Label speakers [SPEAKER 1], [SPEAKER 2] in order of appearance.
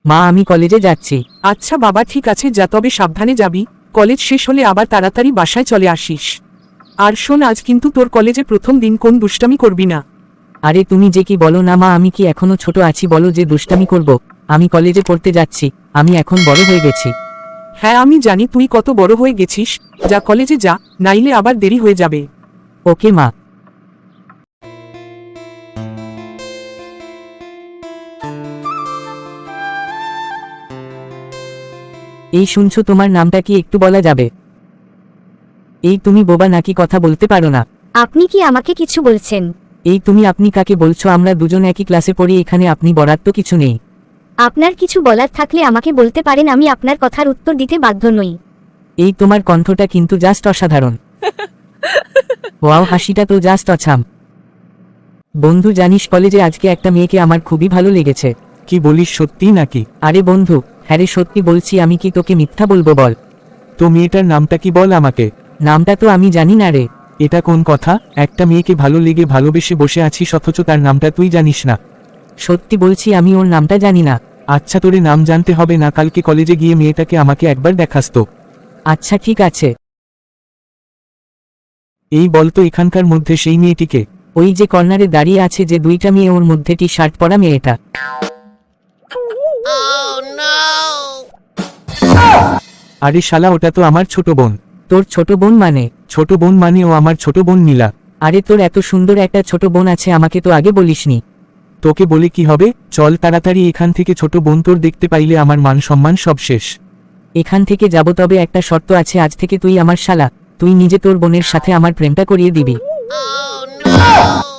[SPEAKER 1] মা আমি কলেজে যাচ্ছি।
[SPEAKER 2] আচ্ছা বাবা ঠিক আছে, যা, তবে সাবধানে যাবি। কলেজ শেষ হলে আবার তাড়াতাড়ি বাসায় চলে আসিস। আর শোন, আজ কিন্তু তোর কলেজে প্রথম দিন, কোন দুষ্টামি করবি না।
[SPEAKER 1] আরে তুমি যে কি বলো না মা, আমি কি এখনো ছোট আছি বলো যে দুষ্টামি করব? আমি কলেজে পড়তে যাচ্ছি, আমি এখন বড় হয়ে গেছি।
[SPEAKER 2] হ্যাঁ আমি জানি তুই কত বড় হয়ে গেছিস, যা কলেজে যা, নাইলে আবার দেরি হয়ে যাবে।
[SPEAKER 1] ওকে মা। এই শুনছো, তোমার নামটা কি একটু বলা যাবে? এই তুমি বোবা নাকি, কথা বলতে পারো না?
[SPEAKER 3] আপনি কি আমাকে কিছু বলছেন?
[SPEAKER 1] এই তুমি আপনি কাকে বলছো? আমরা দুজন একই ক্লাসে পড়ি, এখানে আপনি বলার তো কিছু নেই।
[SPEAKER 3] আপনার কিছু বলার থাকলে আমাকে বলতে পারেন, আমি আপনার কথার উত্তর দিতে বাধ্য নই।
[SPEAKER 1] এই তোমার কণ্ঠটা কিন্তু জাস্ট অসাধারণ। ওয়াও, হাসিটা তো জাস্ট অছাম। বন্ধু জানিস, কলেজে আজকে একটা মেয়েকে আমার খুবই ভালো লেগেছে।
[SPEAKER 2] কি বলিস, সত্যি নাকি?
[SPEAKER 1] আরে বন্ধু, হ্যাঁ রে সত্যি বলছি, আমি কি তোকে মিথ্যা বলবো বল?
[SPEAKER 2] তো মেয়েটার নামটা কি বল আমাকে।
[SPEAKER 1] নামটা তো আমি জানি না রে।
[SPEAKER 2] এটা কোন কথা? একটা মেয়েকে ভালো লেগে ভালোবেসে বসে আছিস, অথচ তার নামটা তুই জানিস না?
[SPEAKER 1] সত্যি বলছি, আমি ওর নামটা জানি না।
[SPEAKER 2] আচ্ছা তোরে নাম জানতে হবে না, কালকে কলেজে গিয়ে মেয়েটাকে আমাকে একবার দেখাস তো।
[SPEAKER 1] আচ্ছা ঠিক আছে।
[SPEAKER 2] এই বল তো এখানকার মধ্যে সেই মেয়েটিকে।
[SPEAKER 1] ওই যে কর্নারে দাঁড়িয়ে আছে যে দুইটা মেয়ে, ওর মধ্যে টি শার্ট পরা মেয়েটা।
[SPEAKER 2] আরে শালা, ওটা তো আমার ছোট বোন।
[SPEAKER 1] তোর ছোট বোন মানে?
[SPEAKER 2] ছোট বোন মানে ও আমার ছোট বোন নীলা।
[SPEAKER 1] আরে তোর এত সুন্দর একটা ছোট বোন আছে, আমাকে তো আগে বলিসনি।
[SPEAKER 2] তোকে বলে কি হবে, চল তাড়াতাড়ি এখান থেকে, ছোট বোন তোর দেখতে পাইলে আমার মান সম্মান সব শেষ।
[SPEAKER 1] এখান থেকে যাব, তবে একটা শর্ত আছে, আজ থেকে তুই আমার শালা, তুই নিজে তোর বোনের সাথে আমার প্রেমটা করিয়ে দিবি।